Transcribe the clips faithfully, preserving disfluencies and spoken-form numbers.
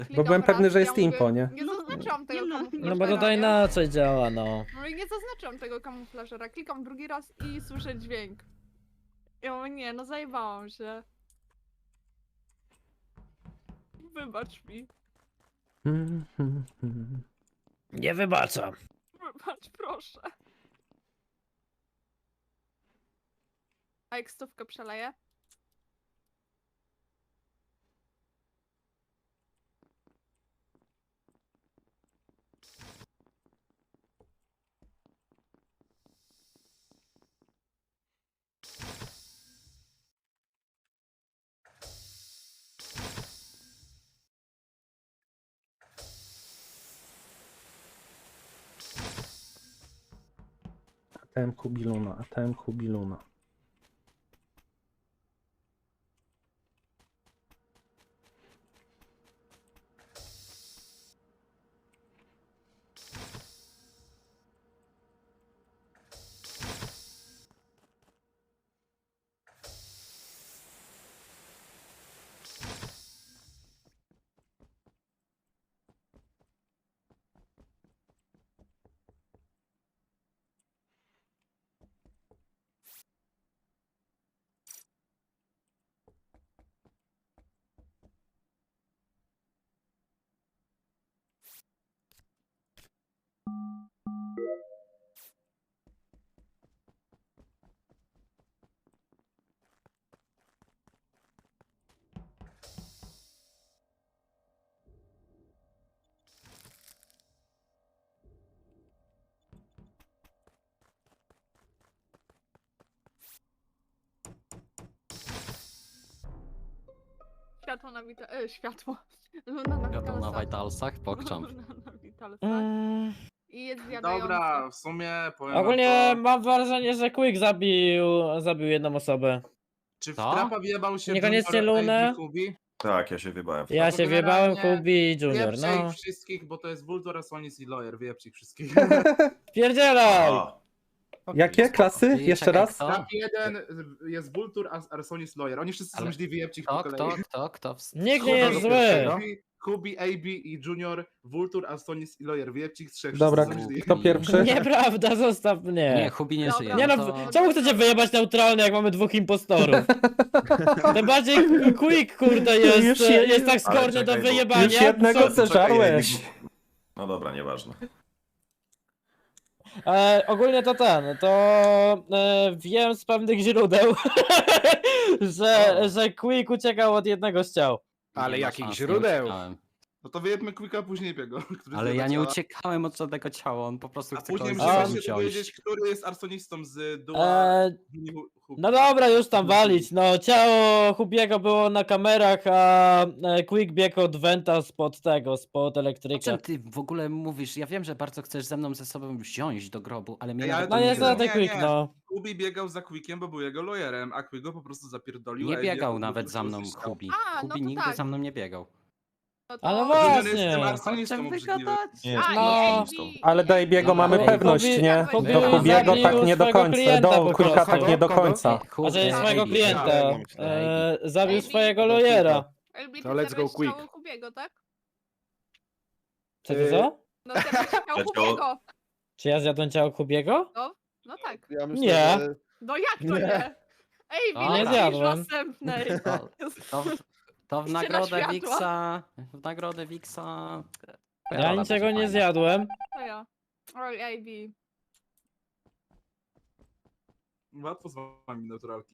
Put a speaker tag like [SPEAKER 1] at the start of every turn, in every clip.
[SPEAKER 1] Bo byłem pewny, że jest
[SPEAKER 2] ja
[SPEAKER 1] impo,
[SPEAKER 2] mówię,
[SPEAKER 1] nie?
[SPEAKER 2] Nie zaznaczyłam tego
[SPEAKER 3] Nie no.
[SPEAKER 2] kamuflażera.
[SPEAKER 4] No bo tutaj
[SPEAKER 2] nie?
[SPEAKER 4] inaczej działa, no.
[SPEAKER 2] No i nie zaznaczyłam tego kamuflażera. Klikam drugi raz i słyszę dźwięk. Ja mówię, nie, no zajebałam się. Wybacz mi.
[SPEAKER 4] Nie wybaczam.
[SPEAKER 2] Wybacz, proszę. A jak stówkę przeleję?
[SPEAKER 1] A T M Kubiluna, A T M Kubiluna.
[SPEAKER 2] Światło na wita... E, światło. Luna na
[SPEAKER 5] Wiadomo, na
[SPEAKER 2] Vitalsach.
[SPEAKER 5] Vitalsach, pokczam.
[SPEAKER 2] Luna na Vitalsach.
[SPEAKER 4] Mm,
[SPEAKER 2] I jest zjadający.
[SPEAKER 6] Dobra, w sumie powiem
[SPEAKER 4] ogólnie
[SPEAKER 6] wam to,
[SPEAKER 4] mam wrażenie, że Quick zabił, zabił jedną osobę.
[SPEAKER 6] czy w
[SPEAKER 5] Co?
[SPEAKER 6] trapa wjebał się
[SPEAKER 4] Niekoniecznie
[SPEAKER 6] Junior,
[SPEAKER 4] Lunę.
[SPEAKER 6] A B, Kubi?
[SPEAKER 7] Tak, ja się wybałem.
[SPEAKER 4] Ja
[SPEAKER 6] No to
[SPEAKER 4] się wjebałem,
[SPEAKER 6] generalnie
[SPEAKER 4] Kubi i Junior,
[SPEAKER 6] Wieprzę
[SPEAKER 4] no.
[SPEAKER 6] ich wszystkich, bo to jest Vulture, Asonis i Lawyer, wieprzcie ich wszystkich.
[SPEAKER 4] Pierdzielaj!
[SPEAKER 7] A,
[SPEAKER 1] Jakie klasy?
[SPEAKER 5] I
[SPEAKER 1] Jeszcze
[SPEAKER 5] czekaj,
[SPEAKER 1] raz?
[SPEAKER 5] kto?
[SPEAKER 6] Trap jeden jest Vulture, As- Arsonis, Lawyer. Oni wszyscy są
[SPEAKER 5] Ale
[SPEAKER 6] źli, wyjebcie ich po
[SPEAKER 5] Kto,
[SPEAKER 6] kolei.
[SPEAKER 5] kto, kto, kto? w-
[SPEAKER 4] Nikt nie
[SPEAKER 6] Kurwa,
[SPEAKER 4] jest
[SPEAKER 6] do
[SPEAKER 4] zły.
[SPEAKER 6] pierwszego. Kubi, A B i Junior, Vulture, Asonis i Lawyer. Wyjebcie ich trzech,
[SPEAKER 1] Dobra,
[SPEAKER 6] wszyscy są źli.
[SPEAKER 1] kto pierwszy?
[SPEAKER 4] Nieprawda, zostaw
[SPEAKER 5] Nie,
[SPEAKER 4] mnie.
[SPEAKER 5] Hubi nie
[SPEAKER 2] Dobra.
[SPEAKER 5] żyje.
[SPEAKER 4] Nie
[SPEAKER 5] no
[SPEAKER 4] no,
[SPEAKER 5] to...
[SPEAKER 4] czemu chcecie wyjebać neutralnie, jak mamy dwóch impostorów? Tym bardziej Quick, kurde, jest,
[SPEAKER 1] Już je-
[SPEAKER 4] jest tak
[SPEAKER 7] Ale
[SPEAKER 4] skorny do
[SPEAKER 7] czekaj, bo-
[SPEAKER 4] wyjebania.
[SPEAKER 1] Już jednego
[SPEAKER 4] co-
[SPEAKER 1] zeżarłeś.
[SPEAKER 7] no dobra, nieważne.
[SPEAKER 4] E, ogólnie to ten, to e, wiem z pewnych źródeł, że,
[SPEAKER 5] O.
[SPEAKER 4] że Quick uciekał od jednego z ciał.
[SPEAKER 8] Ale
[SPEAKER 5] Nie ma
[SPEAKER 8] jakich
[SPEAKER 5] szans, nie
[SPEAKER 8] źródeł?
[SPEAKER 5] uciekałem.
[SPEAKER 6] No to wyjebmy Quicka później biego. który
[SPEAKER 5] Ale
[SPEAKER 6] zjada
[SPEAKER 5] ja nie
[SPEAKER 6] ciała.
[SPEAKER 5] uciekałem od żadnego ciała, on po prostu
[SPEAKER 6] A
[SPEAKER 5] chce
[SPEAKER 6] później
[SPEAKER 5] kogoś
[SPEAKER 6] musimy
[SPEAKER 4] A.
[SPEAKER 6] się
[SPEAKER 5] wziąć.
[SPEAKER 6] dowiedzieć, który jest arsonistą z Dua.
[SPEAKER 4] E, no dobra, już tam walić. No ciało Hubiego było na kamerach, a e, Quick biegł od Venta spod tego, spod
[SPEAKER 5] O
[SPEAKER 4] elektryka.
[SPEAKER 5] czym ty w ogóle mówisz? Ja wiem, że bardzo chcesz ze mną ze sobą wziąć do grobu, ale mnie
[SPEAKER 6] Ej, ale
[SPEAKER 5] nawet
[SPEAKER 4] No
[SPEAKER 6] to
[SPEAKER 5] nie
[SPEAKER 4] jest
[SPEAKER 6] nie,
[SPEAKER 4] na
[SPEAKER 5] było.
[SPEAKER 4] ten
[SPEAKER 6] nie,
[SPEAKER 4] Quick,
[SPEAKER 6] nie.
[SPEAKER 4] no.
[SPEAKER 6] Kubi biegał za Quickiem, bo był jego lawyerem, a Quick go po prostu zapierdolił.
[SPEAKER 5] Nie
[SPEAKER 6] a
[SPEAKER 5] biegał
[SPEAKER 6] Eddie
[SPEAKER 5] nawet
[SPEAKER 6] po
[SPEAKER 5] za
[SPEAKER 6] prostu
[SPEAKER 5] mną
[SPEAKER 6] zyskał.
[SPEAKER 5] Hubi.
[SPEAKER 2] A, no
[SPEAKER 5] Hubi
[SPEAKER 2] to
[SPEAKER 5] nigdy
[SPEAKER 2] tak.
[SPEAKER 5] za mną nie biegał.
[SPEAKER 2] No to...
[SPEAKER 4] Ale
[SPEAKER 6] Junior
[SPEAKER 4] właśnie.
[SPEAKER 6] jest tym
[SPEAKER 5] Chodźcie
[SPEAKER 6] arsonistą obrzydliwym.
[SPEAKER 5] wygadać.
[SPEAKER 7] Nie,
[SPEAKER 2] A,
[SPEAKER 4] No.
[SPEAKER 2] i A B,
[SPEAKER 1] Ale do
[SPEAKER 2] i
[SPEAKER 1] Ebiego
[SPEAKER 2] A B.
[SPEAKER 1] mamy
[SPEAKER 4] Hubi-
[SPEAKER 1] pewność, nie?
[SPEAKER 4] Hubi
[SPEAKER 1] Do Hubiego
[SPEAKER 4] zabił
[SPEAKER 1] tak nie do
[SPEAKER 4] swojego
[SPEAKER 1] końca,
[SPEAKER 4] klienta
[SPEAKER 1] do
[SPEAKER 4] po
[SPEAKER 1] Quicka
[SPEAKER 4] prostu.
[SPEAKER 1] tak nie do
[SPEAKER 8] Kogo?
[SPEAKER 1] końca.
[SPEAKER 5] Hubi-
[SPEAKER 4] A że jest
[SPEAKER 5] Ej,
[SPEAKER 4] swojego
[SPEAKER 5] Ej,
[SPEAKER 4] klienta.
[SPEAKER 5] Ej,
[SPEAKER 4] E, zabił
[SPEAKER 2] Ej,
[SPEAKER 4] swojego
[SPEAKER 8] Ej,
[SPEAKER 4] lawyera.
[SPEAKER 2] L B,
[SPEAKER 8] To
[SPEAKER 2] ty
[SPEAKER 8] let's go
[SPEAKER 2] zjadłeś
[SPEAKER 8] quick.
[SPEAKER 2] ciało Hubiego, tak?
[SPEAKER 4] Co to co?
[SPEAKER 2] No zjadłeś ciało
[SPEAKER 7] Ciało-
[SPEAKER 2] Hubiego.
[SPEAKER 4] Czy ja zjadłem ciało Hubiego?
[SPEAKER 2] No tak.
[SPEAKER 8] Ja myślę,
[SPEAKER 4] Nie.
[SPEAKER 8] że...
[SPEAKER 2] No jak to
[SPEAKER 8] Nie.
[SPEAKER 2] nie? Ej,
[SPEAKER 5] Dobra.
[SPEAKER 4] Nie
[SPEAKER 2] nie
[SPEAKER 4] zjadłem.
[SPEAKER 2] następnej.
[SPEAKER 5] To, to, w- to w
[SPEAKER 2] Ściana
[SPEAKER 5] nagrodę
[SPEAKER 2] światła.
[SPEAKER 5] Wiksa. W nagrodę Wiksa.
[SPEAKER 4] Ja
[SPEAKER 5] rola
[SPEAKER 4] niczego
[SPEAKER 5] będzie
[SPEAKER 4] nie
[SPEAKER 5] fajna.
[SPEAKER 4] zjadłem.
[SPEAKER 2] To ja. Oj, A B.
[SPEAKER 6] Łatwo z wami naturalki.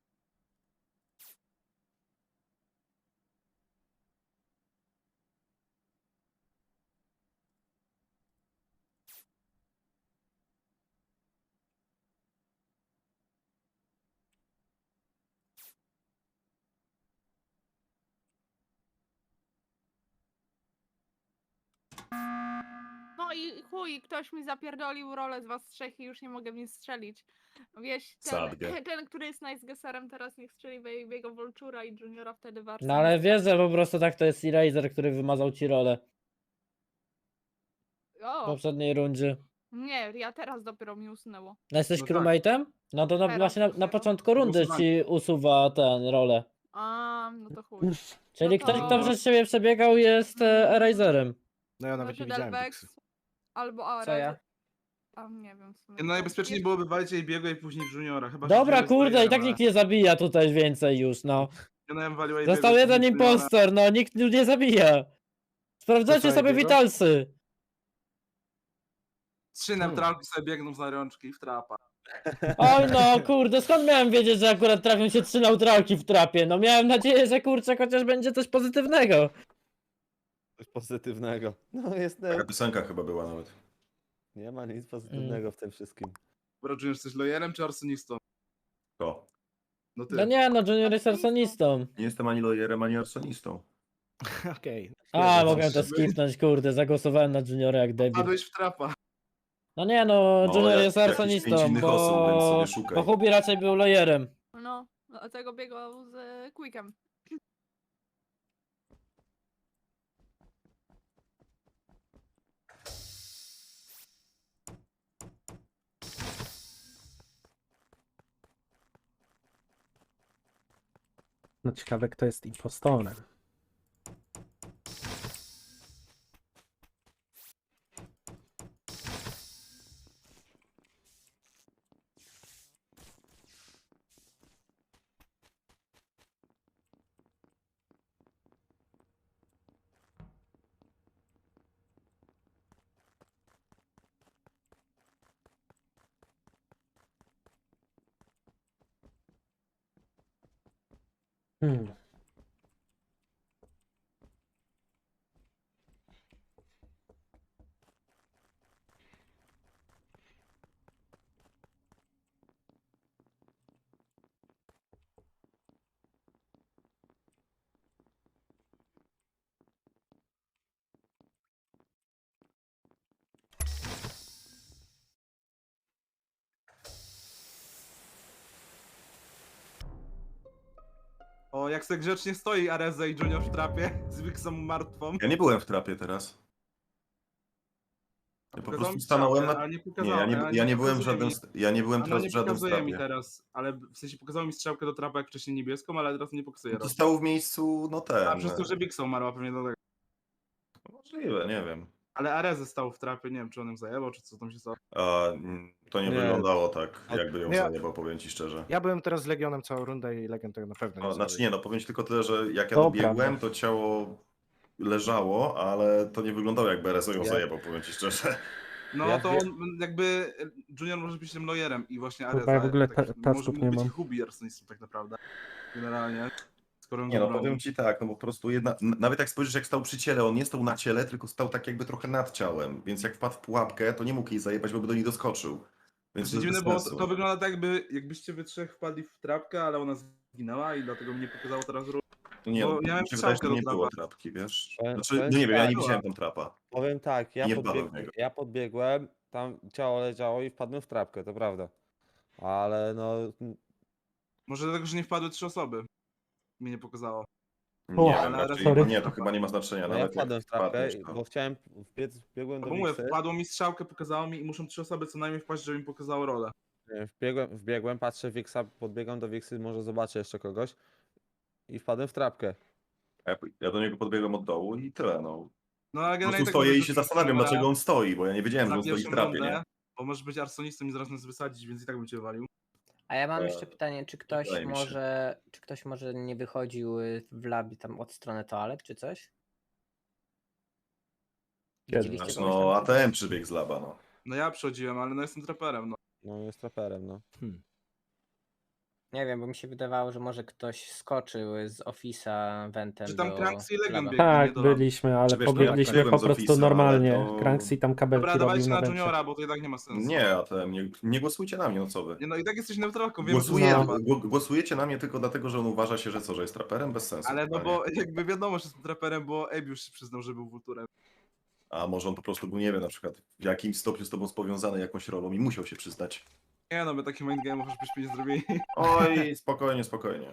[SPEAKER 2] No i chuj, ktoś mi zapierdolił rolę z was trzech i już nie mogę w nic strzelić. Wieś, ten,
[SPEAKER 7] Sadgę.
[SPEAKER 2] ten który jest najzgeserem teraz niech strzeli w jego Voltura i Juniora wtedy warto.
[SPEAKER 4] No ale wiesz, że po prostu tak to jest Eraser, który wymazał ci rolę w
[SPEAKER 2] O,
[SPEAKER 4] poprzedniej rundzie.
[SPEAKER 2] nie, ja teraz dopiero mi usunęło.
[SPEAKER 4] No jesteś
[SPEAKER 6] No tak.
[SPEAKER 4] crewmate'em? No to na,
[SPEAKER 2] Teraz
[SPEAKER 4] właśnie na, na
[SPEAKER 2] dopiero.
[SPEAKER 4] początku rundy ci usuwa ten rolę.
[SPEAKER 2] A, no to chuj.
[SPEAKER 4] Czyli
[SPEAKER 2] No
[SPEAKER 4] ktoś,
[SPEAKER 2] to-
[SPEAKER 4] kto przez siebie przebiegał, jest e, Eraserem.
[SPEAKER 3] No ja nawet
[SPEAKER 2] Znaczy
[SPEAKER 3] nie widziałem
[SPEAKER 2] Delvex
[SPEAKER 3] Dixy.
[SPEAKER 2] albo Ares.
[SPEAKER 8] Co ja?
[SPEAKER 2] A nie wiem w sumie.
[SPEAKER 6] No najbezpieczniej byłoby walić AB'ego i później Juniora, chyba że
[SPEAKER 4] Dobra,
[SPEAKER 6] Junior jest
[SPEAKER 4] kurde, i
[SPEAKER 6] Loyerem,
[SPEAKER 4] tak
[SPEAKER 6] ale-
[SPEAKER 4] nikt nie zabija tutaj więcej już, no.
[SPEAKER 6] Ja na walił AB'ego
[SPEAKER 4] Został
[SPEAKER 6] i
[SPEAKER 4] jeden
[SPEAKER 6] później Juniora.
[SPEAKER 4] impostor, no, nikt już nie zabija. Sprawdzacie
[SPEAKER 3] To co,
[SPEAKER 4] sobie
[SPEAKER 3] Ibiego?
[SPEAKER 4] witalsy.
[SPEAKER 6] Trzy neutralki sobie biegną za rączki w trapa.
[SPEAKER 4] Oj no, kurde, skąd miałem wiedzieć, że akurat trafią się trzy neutralki w trapie? No miałem nadzieję, że kurczę, chociaż będzie coś pozytywnego.
[SPEAKER 9] Coś pozytywnego. No jest,
[SPEAKER 7] Taka piosenka chyba była nawet.
[SPEAKER 9] nie ma nic pozytywnego w tym wszystkim.
[SPEAKER 6] Bro, Junior, jesteś Loyerem czy arsonistą?
[SPEAKER 7] To.
[SPEAKER 6] No ty.
[SPEAKER 4] No nie, no Junior jest arsonistą.
[SPEAKER 7] Nie jestem ani lojerem, ani arsonistą.
[SPEAKER 3] Okej.
[SPEAKER 4] A,
[SPEAKER 3] Jezu,
[SPEAKER 4] mogłem to
[SPEAKER 6] coś-
[SPEAKER 4] skipnąć, kurde, zagłosowałem na Juniora jak debil.
[SPEAKER 6] Padłeś w trapa.
[SPEAKER 4] No nie no,
[SPEAKER 7] No,
[SPEAKER 4] Junior
[SPEAKER 7] jak-
[SPEAKER 4] jest
[SPEAKER 7] jakichś
[SPEAKER 4] arsonistą,
[SPEAKER 7] pięć innych osób, więc
[SPEAKER 4] bo...
[SPEAKER 7] sobie szukaj.
[SPEAKER 4] bo Hubi raczej był lojerem.
[SPEAKER 2] No, dlatego biegał z e, Quickiem.
[SPEAKER 1] No ciekawe, kto jest impostorem. Hmm.
[SPEAKER 6] O, jak se grzecznie stoi Areza i Junior w trapie z Wixą martwą.
[SPEAKER 7] Ja nie byłem w trapie teraz. Ja po
[SPEAKER 6] Pokazał
[SPEAKER 7] prostu
[SPEAKER 6] mi
[SPEAKER 7] stanąłem
[SPEAKER 6] strzałkę,
[SPEAKER 7] na...
[SPEAKER 6] a nie
[SPEAKER 7] Nie,
[SPEAKER 6] pokazał,
[SPEAKER 7] ja nie,
[SPEAKER 6] a
[SPEAKER 7] ja nie byłem w
[SPEAKER 6] pokazuje
[SPEAKER 7] żadnym...
[SPEAKER 6] mi-
[SPEAKER 7] st- Ja nie byłem
[SPEAKER 6] Ona
[SPEAKER 7] teraz
[SPEAKER 6] nie
[SPEAKER 7] w żadnym
[SPEAKER 6] pokazuje mi
[SPEAKER 7] strapie.
[SPEAKER 6] teraz, ale w sensie pokazał mi strzałkę do trapa jak wcześniej niebieską, ale teraz nie pokazuje.
[SPEAKER 7] No to
[SPEAKER 6] raz.
[SPEAKER 7] stało w miejscu, no ten...
[SPEAKER 6] A przez to, że Wixą umarła pewnie do tego.
[SPEAKER 7] Możliwe, nie wiem.
[SPEAKER 6] Ale Areze stał w trapie, nie wiem czy on ją zajebał, czy co tam się stało.
[SPEAKER 7] A, mm, to nie,
[SPEAKER 9] Nie.
[SPEAKER 7] wyglądało tak,
[SPEAKER 3] A-
[SPEAKER 7] jakby ją
[SPEAKER 3] nie.
[SPEAKER 7] zajebał, powiem ci szczerze.
[SPEAKER 3] Ja byłem teraz z Legionem całą rundę i Legion tego na pewno nie
[SPEAKER 7] No, znaczy
[SPEAKER 3] zrobi.
[SPEAKER 7] nie, no powiem ci tylko tyle, że jak ja
[SPEAKER 1] To
[SPEAKER 7] dobiegłem,
[SPEAKER 1] prawda.
[SPEAKER 7] to ciało leżało, ale to nie wyglądało jakby Rezo ją
[SPEAKER 9] Ja-
[SPEAKER 7] zajebał, powiem ci szczerze.
[SPEAKER 6] No
[SPEAKER 9] Ja
[SPEAKER 6] to
[SPEAKER 9] wie-
[SPEAKER 6] on jakby Junior może być tym loyerem i właśnie Areza.
[SPEAKER 1] Chyba ja w ogóle
[SPEAKER 6] tak,
[SPEAKER 1] ta-
[SPEAKER 6] może
[SPEAKER 1] tasków
[SPEAKER 6] mógł
[SPEAKER 1] nie
[SPEAKER 6] być
[SPEAKER 1] mam.
[SPEAKER 6] i Hubi arsonistą tak naprawdę. Generalnie. Skoro ją
[SPEAKER 7] Nie no,
[SPEAKER 6] zabrał.
[SPEAKER 7] powiem ci tak, no po prostu jedna, n- nawet jak spojrzysz jak stał przy ciele, on nie stał na ciele, tylko stał tak jakby trochę nad ciałem, więc jak wpadł w pułapkę, to nie mógł jej zajebać, bo by do niej doskoczył. Więc
[SPEAKER 6] Znaczy
[SPEAKER 7] to jest
[SPEAKER 6] dziwne,
[SPEAKER 7] bez
[SPEAKER 6] bo to,
[SPEAKER 7] sensu.
[SPEAKER 6] to wygląda tak, jakby, jakbyście wy trzech wpadli w trapkę, ale ona zginęła i dlatego mnie pokazało teraz ru-
[SPEAKER 7] Nie,
[SPEAKER 6] bo
[SPEAKER 7] no,
[SPEAKER 6] miałem
[SPEAKER 7] mi się wydaje, że
[SPEAKER 6] strzałkę
[SPEAKER 7] nie
[SPEAKER 6] do
[SPEAKER 7] było
[SPEAKER 6] trapa.
[SPEAKER 7] trapki, wiesz?
[SPEAKER 9] Powiem-
[SPEAKER 7] Znaczy,
[SPEAKER 9] powiem
[SPEAKER 7] no nie wiem, ja
[SPEAKER 9] tak.
[SPEAKER 7] nie widziałem tam trapa.
[SPEAKER 9] Powiem tak, ja,
[SPEAKER 7] Nie wpadłem w
[SPEAKER 9] podbieg...
[SPEAKER 7] niego.
[SPEAKER 9] ja podbiegłem, tam ciało leżało i wpadłem w trapkę, to prawda. Ale no,
[SPEAKER 6] Może dlatego, że nie wpadły trzy osoby. Mi nie pokazało.
[SPEAKER 7] Nie
[SPEAKER 1] O,
[SPEAKER 7] wiem,
[SPEAKER 6] ale
[SPEAKER 7] raczej,
[SPEAKER 1] sorry.
[SPEAKER 7] nie, to chyba nie ma znaczenia,
[SPEAKER 9] no ja
[SPEAKER 7] nawet jak
[SPEAKER 9] wpadłem w trapkę,
[SPEAKER 7] wpadniesz, to-
[SPEAKER 9] bo chciałem wbiec, wbiegłem
[SPEAKER 6] No
[SPEAKER 9] do
[SPEAKER 6] bo mówię,
[SPEAKER 9] Wixy,
[SPEAKER 6] wpadło mi strzałkę, pokazało mi i muszą trzy osoby co najmniej wpaść, żeby mi pokazało rolę.
[SPEAKER 9] nie, wbiegłem, wbiegłem, patrzę Wixa, podbiegam do Wixy, może zobaczę jeszcze kogoś i wpadłem w trapkę.
[SPEAKER 7] Ja, ja do niego podbiegłem od dołu i tyle, no.
[SPEAKER 6] No ale
[SPEAKER 7] Po
[SPEAKER 6] generalnie
[SPEAKER 7] prostu
[SPEAKER 6] tak
[SPEAKER 7] stoję
[SPEAKER 6] mówię,
[SPEAKER 7] i
[SPEAKER 6] że
[SPEAKER 7] się
[SPEAKER 6] to
[SPEAKER 7] zastanawiam,
[SPEAKER 6] na-
[SPEAKER 7] dlaczego on stoi, bo ja nie wiedziałem, że
[SPEAKER 6] na
[SPEAKER 7] on stoi w
[SPEAKER 6] pierwszą
[SPEAKER 7] trapie,
[SPEAKER 6] rundę,
[SPEAKER 7] nie?
[SPEAKER 6] Bo możesz być arsonistą i zaraz nas wysadzić, więc i tak bym cię walił.
[SPEAKER 8] A ja mam
[SPEAKER 7] E,
[SPEAKER 8] jeszcze pytanie, czy ktoś
[SPEAKER 7] wydaje mi się.
[SPEAKER 8] może, czy ktoś może nie wychodził y, w labie tam od strony toalet, czy coś?
[SPEAKER 1] Kiedy?
[SPEAKER 8] Widzieliście
[SPEAKER 7] Znaczy,
[SPEAKER 8] kogoś
[SPEAKER 7] no
[SPEAKER 8] tam?
[SPEAKER 7] A T M przybiegł z laba, no.
[SPEAKER 6] No ja przychodziłem, ale no jestem traperem, no.
[SPEAKER 9] No jest traperem, no.
[SPEAKER 8] Nie wiem, bo mi się wydawało, że może ktoś skoczył z Office'a Ventem
[SPEAKER 6] Czy tam
[SPEAKER 8] do
[SPEAKER 6] Cranksy i Legion
[SPEAKER 8] laba.
[SPEAKER 6] biegli,
[SPEAKER 1] Tak,
[SPEAKER 6] nie do labu.
[SPEAKER 1] byliśmy, ale
[SPEAKER 7] Czy wiesz, no ja
[SPEAKER 1] pobiegliśmy
[SPEAKER 7] biegłem
[SPEAKER 1] po
[SPEAKER 7] z
[SPEAKER 1] prostu
[SPEAKER 7] Office'a,
[SPEAKER 1] normalnie.
[SPEAKER 7] ale to-
[SPEAKER 1] Cranksy tam kabelki
[SPEAKER 6] Dobra,
[SPEAKER 1] robił
[SPEAKER 6] dawajcie
[SPEAKER 1] na
[SPEAKER 6] na
[SPEAKER 1] węcie.
[SPEAKER 6] Juniora, bo to i tak nie ma sensu.
[SPEAKER 7] Nie, A T M, nie, nie głosujcie na mnie, no co wy.
[SPEAKER 6] Nie, no i tak jesteś neutralką, wiem,
[SPEAKER 7] Głosuje,
[SPEAKER 6] że
[SPEAKER 1] No.
[SPEAKER 6] to
[SPEAKER 7] gło- głosujecie na mnie tylko dlatego, że on uważa się, że co, że jest traperem? Bez sensu.
[SPEAKER 6] Ale no
[SPEAKER 7] totalnie.
[SPEAKER 6] bo jakby wiadomo, że jestem traperem, bo Abe już się przyznał, że był Vulturem.
[SPEAKER 7] A może on po prostu był, nie wiem, na przykład w jakimś stopniu z tobą powiązany jakąś rolą i musiał się przyznać.
[SPEAKER 6] Nie no, my taki mindgame'ów już byśmy nie zrobili.
[SPEAKER 7] Oj, spokojnie, spokojnie.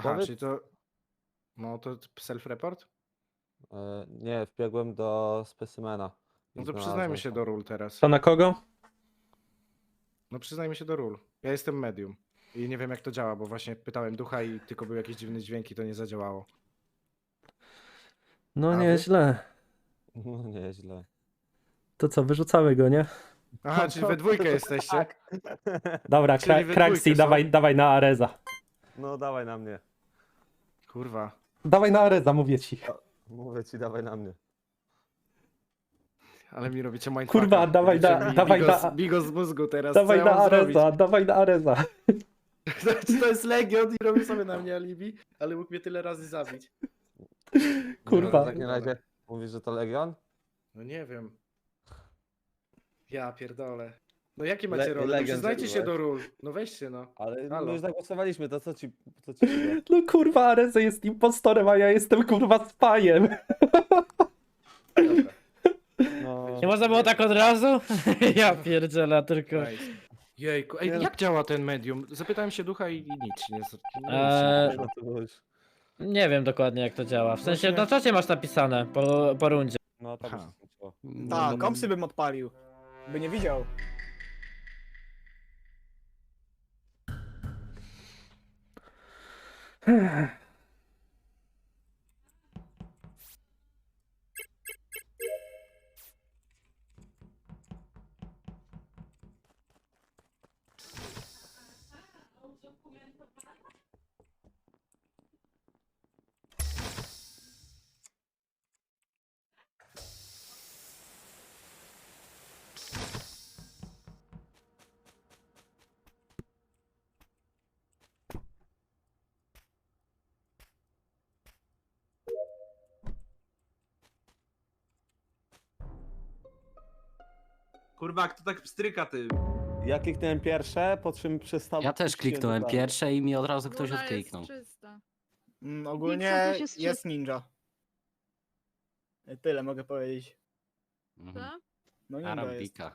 [SPEAKER 3] Aha,
[SPEAKER 9] Powiedz-
[SPEAKER 3] czyli to... No to self-report?
[SPEAKER 9] E, nie, wbiegłem do specimena. i
[SPEAKER 3] No to
[SPEAKER 9] znalazłem
[SPEAKER 3] przyznajmy się
[SPEAKER 9] to.
[SPEAKER 3] do ról teraz.
[SPEAKER 1] To na kogo?
[SPEAKER 3] No przyznajmy się do ról. Ja jestem medium. I nie wiem jak to działa, bo właśnie pytałem ducha i tylko były jakieś dziwne dźwięki, to nie zadziałało.
[SPEAKER 1] No
[SPEAKER 3] A wy?
[SPEAKER 1] nieźle.
[SPEAKER 9] No nieźle.
[SPEAKER 1] To co, wyrzucamy go, nie?
[SPEAKER 3] Aha, czyli we dwójkę jesteście?
[SPEAKER 9] Tak.
[SPEAKER 1] Dobra,
[SPEAKER 3] Czyli
[SPEAKER 1] Kra-
[SPEAKER 3] we
[SPEAKER 1] Kraxi,
[SPEAKER 3] dwójkę są?
[SPEAKER 1] dawaj, dawaj na Areza.
[SPEAKER 9] No dawaj na mnie.
[SPEAKER 3] Kurwa.
[SPEAKER 1] Dawaj na Areza, mówię ci.
[SPEAKER 9] Mówię ci, dawaj na mnie.
[SPEAKER 3] Ale mi robicie mindfucka.
[SPEAKER 1] Kurwa, dawaj
[SPEAKER 3] Robicie
[SPEAKER 1] na-
[SPEAKER 3] mi
[SPEAKER 1] dawaj
[SPEAKER 3] bigos,
[SPEAKER 1] na-
[SPEAKER 3] bigos z mózgu teraz.
[SPEAKER 1] Dawaj
[SPEAKER 3] Co
[SPEAKER 1] na
[SPEAKER 3] ja mam
[SPEAKER 1] Areza,
[SPEAKER 3] zrobić?
[SPEAKER 1] dawaj na Areza.
[SPEAKER 3] Czy to jest Legion i robi sobie na mnie alibi, ale mógł mnie tyle razy zabić.
[SPEAKER 1] Kurwa.
[SPEAKER 9] No, w takim razie mówisz, że to Legion?
[SPEAKER 3] No nie wiem. Ja pierdolę. No jakie
[SPEAKER 9] Le-
[SPEAKER 3] macie role? No
[SPEAKER 9] Legion
[SPEAKER 3] przyznajcie się
[SPEAKER 9] zrobiłeś.
[SPEAKER 3] do ról. No weźcie no.
[SPEAKER 9] Ale
[SPEAKER 3] Halo.
[SPEAKER 9] my już zagłosowaliśmy, to co ci... Co ci mówię?
[SPEAKER 1] No kurwa, Areza jest impostorem, a ja jestem kurwa spajem.
[SPEAKER 3] Dobra.
[SPEAKER 9] No,
[SPEAKER 4] Nie można było tak od razu? Ja pierdzielę, tylko...
[SPEAKER 3] Nice. Jejku. Ej,
[SPEAKER 9] Nie no.
[SPEAKER 3] jak działa ten medium? Zapytałem się ducha i, i nic nie, z- nic nie
[SPEAKER 4] Eee,
[SPEAKER 3] poszło.
[SPEAKER 9] no to już...
[SPEAKER 4] Nie wiem dokładnie jak to działa. W sensie
[SPEAKER 3] Właśnie-
[SPEAKER 4] na czacie masz napisane po, po rundzie.
[SPEAKER 9] No tak już
[SPEAKER 3] Aha.
[SPEAKER 9] się skończyło.
[SPEAKER 5] Tak,
[SPEAKER 10] kompsy bym odpalił. By nie widział.
[SPEAKER 6] Kurwa, kto tak pstryka ty?
[SPEAKER 9] Ja kliknąłem pierwsze, po czym przestał...
[SPEAKER 5] Ja też
[SPEAKER 9] puściłem
[SPEAKER 5] kliknąłem
[SPEAKER 9] dokładnie.
[SPEAKER 5] pierwsze i mi od razu ktoś
[SPEAKER 2] Luna
[SPEAKER 5] odkliknął.
[SPEAKER 2] jest czysta.
[SPEAKER 10] Mm,
[SPEAKER 2] Pizza
[SPEAKER 10] ogólnie
[SPEAKER 2] też jest
[SPEAKER 10] jest ninja. Tyle mogę powiedzieć.
[SPEAKER 5] Mhm.
[SPEAKER 2] Co?
[SPEAKER 10] No ninja jest.
[SPEAKER 5] Arabika.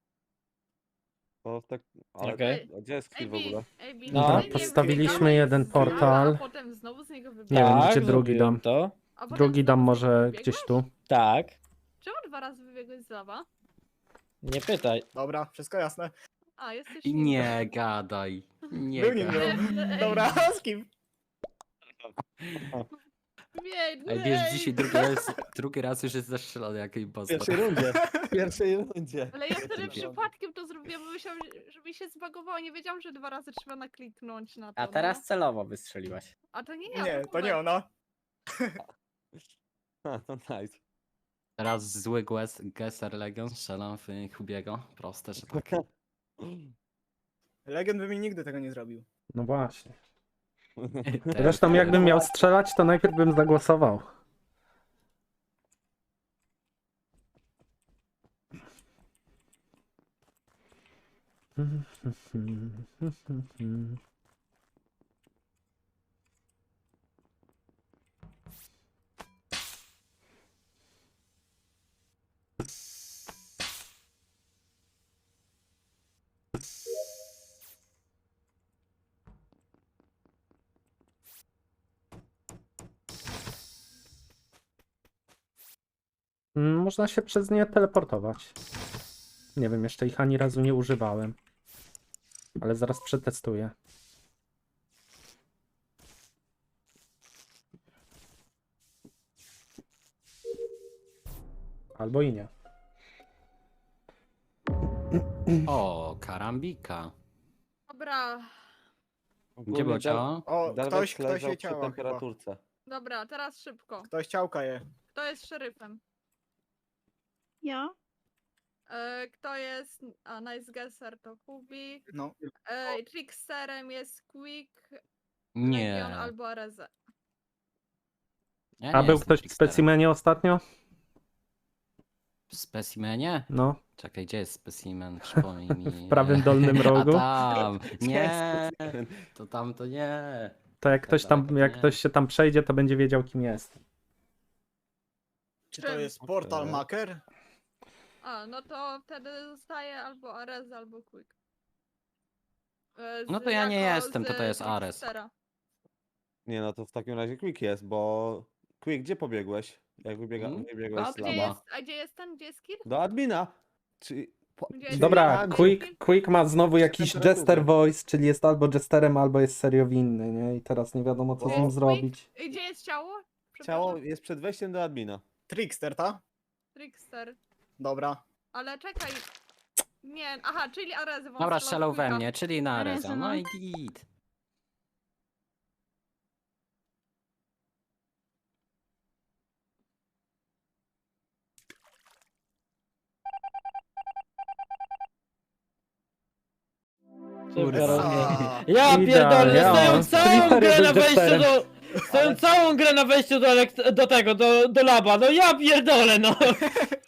[SPEAKER 9] To tak... Ale
[SPEAKER 4] Okej.
[SPEAKER 9] a gdzie jest kill w ogóle?
[SPEAKER 2] Ej, Bi,
[SPEAKER 4] No.
[SPEAKER 2] no,
[SPEAKER 1] Postawiliśmy jeden portal.
[SPEAKER 2] A potem znowu z niego
[SPEAKER 1] Nie wiem,
[SPEAKER 2] wybiegłeś.
[SPEAKER 1] gdzie drugi
[SPEAKER 4] zrobiłem
[SPEAKER 1] dam.
[SPEAKER 4] to.
[SPEAKER 2] A potem
[SPEAKER 1] Drugi
[SPEAKER 2] znowu
[SPEAKER 1] dam
[SPEAKER 2] z niego
[SPEAKER 1] może
[SPEAKER 2] wybiegłeś?
[SPEAKER 1] gdzieś tu.
[SPEAKER 4] Tak.
[SPEAKER 2] Czemu dwa razy wybiegłeś z lawa?
[SPEAKER 4] Nie pytaj.
[SPEAKER 10] Dobra, wszystko jasne.
[SPEAKER 2] A, jesteś
[SPEAKER 5] I nie gadaj. Nie
[SPEAKER 10] Był
[SPEAKER 5] gadaj.
[SPEAKER 10] ninja.
[SPEAKER 2] Ej,
[SPEAKER 10] Dobra, z kim?
[SPEAKER 2] Ej,
[SPEAKER 5] Ej, wiesz, dzisiaj drugi raz, drugi raz już jest zastrzelony jak
[SPEAKER 9] W
[SPEAKER 5] impostor.
[SPEAKER 9] pierwszej rundzie. W pierwszej rundzie.
[SPEAKER 2] Ale ja wtedy
[SPEAKER 5] Dobra.
[SPEAKER 2] przypadkiem to zrobiłam, bo myślałam, że mi się zbagowało. Nie wiedziałam, że dwa razy trzeba nakliknąć na to.
[SPEAKER 8] A teraz
[SPEAKER 2] No.
[SPEAKER 8] celowo wystrzeliłaś.
[SPEAKER 2] A to nie ja.
[SPEAKER 10] Nie, to nie
[SPEAKER 2] Hubert.
[SPEAKER 10] ona.
[SPEAKER 9] Ha, to nice.
[SPEAKER 5] Teraz zły guess, Gesser Legion, strzelam w Hubiego. Proste, że tak.
[SPEAKER 10] Legend by mi nigdy tego nie zrobił.
[SPEAKER 1] No właśnie.
[SPEAKER 5] Też.
[SPEAKER 1] Zresztą jakbym miał strzelać, to najpierw bym zagłosował. Mm, Można się przez nie teleportować. Nie wiem, jeszcze ich ani razu nie używałem. Ale zaraz przetestuję. Albo i nie.
[SPEAKER 5] O, karambika.
[SPEAKER 2] Dobra,
[SPEAKER 5] Gdzie było ciało?
[SPEAKER 10] O,
[SPEAKER 9] Darwex
[SPEAKER 10] ktoś, ktoś
[SPEAKER 9] leżał
[SPEAKER 10] je
[SPEAKER 9] przy
[SPEAKER 10] ciała chyba.
[SPEAKER 9] temperaturce.
[SPEAKER 2] dobra, teraz szybko.
[SPEAKER 10] Ktoś ciałka je.
[SPEAKER 2] Kto jest szeryfem?
[SPEAKER 11] Ja?
[SPEAKER 2] E, kto jest... A, Nice Guesser to Hubi.
[SPEAKER 10] No.
[SPEAKER 2] E, Tricksterem jest Quick,
[SPEAKER 5] Nie.
[SPEAKER 2] Legion albo Areze.
[SPEAKER 5] Ja
[SPEAKER 1] A
[SPEAKER 5] nie
[SPEAKER 1] był
[SPEAKER 5] jestem
[SPEAKER 1] ktoś w
[SPEAKER 5] tricksterem.
[SPEAKER 1] specimenie ostatnio?
[SPEAKER 5] W specimenie?
[SPEAKER 1] No,
[SPEAKER 5] Czekaj, gdzie jest specimen? Przypomnij mi.
[SPEAKER 1] w prawym dolnym rogu.
[SPEAKER 5] A tam! Nie! To tam to nie.
[SPEAKER 1] To jak ktoś tam,
[SPEAKER 5] daleko
[SPEAKER 1] jak
[SPEAKER 5] nie.
[SPEAKER 1] ktoś się tam przejdzie, to będzie wiedział, kim jest.
[SPEAKER 10] Czy to
[SPEAKER 2] Czym?
[SPEAKER 10] jest portal
[SPEAKER 9] Okej.
[SPEAKER 10] maker?
[SPEAKER 2] A, no to wtedy zostaje albo Ares, albo Quick. E,
[SPEAKER 5] No
[SPEAKER 2] z-
[SPEAKER 5] to ja nie
[SPEAKER 2] jako
[SPEAKER 5] jestem, to
[SPEAKER 2] z
[SPEAKER 5] to jest Ares.
[SPEAKER 2] Trickstera.
[SPEAKER 9] Nie no, to w takim razie Quick jest, bo... Quick, gdzie pobiegłeś? Jak wybiega...
[SPEAKER 5] Mm,
[SPEAKER 9] wybiegłeś
[SPEAKER 5] a
[SPEAKER 9] z
[SPEAKER 2] Gdzie
[SPEAKER 5] Lama.
[SPEAKER 9] laba?
[SPEAKER 2] jest, a gdzie jest ten, gdzie jest Kir?
[SPEAKER 9] Do admina! Czy... Po...
[SPEAKER 2] Gdzie-
[SPEAKER 9] czyli
[SPEAKER 1] Dobra,
[SPEAKER 9] admin-
[SPEAKER 1] Quick, Quick ma znowu jakiś
[SPEAKER 9] Temperatury.
[SPEAKER 1] Jester Voice, czyli jest albo Jesterem, albo jest serio winny, nie? I teraz nie wiadomo co z nim
[SPEAKER 2] Quick?
[SPEAKER 1] zrobić.
[SPEAKER 2] I Gdzie jest ciało?
[SPEAKER 9] Ciało
[SPEAKER 2] Przepraszam.
[SPEAKER 9] jest przed wejściem do admina.
[SPEAKER 10] Trickster, ta?
[SPEAKER 2] Trickster.
[SPEAKER 10] Dobra.
[SPEAKER 2] Ale czekaj. Nie, aha, czyli Arezy. bo on
[SPEAKER 5] Dobra,
[SPEAKER 2] strzelał
[SPEAKER 5] strzelał
[SPEAKER 2] w
[SPEAKER 5] we
[SPEAKER 2] Quicka.
[SPEAKER 5] mnie, czyli na
[SPEAKER 11] Areza,
[SPEAKER 5] Areza. No
[SPEAKER 11] no.
[SPEAKER 5] i git.
[SPEAKER 4] Super,
[SPEAKER 10] A.
[SPEAKER 4] okej. Ja
[SPEAKER 1] Idealnie,
[SPEAKER 4] pierdolę,
[SPEAKER 1] ja
[SPEAKER 4] stoją
[SPEAKER 1] mam
[SPEAKER 4] całą
[SPEAKER 1] Twittery
[SPEAKER 4] grę
[SPEAKER 1] do
[SPEAKER 4] na wejściu
[SPEAKER 1] Jesterem.
[SPEAKER 4] do... Stoją całą grę na wejściu do, elekt- do tego, do, do laba, no ja pierdolę, no!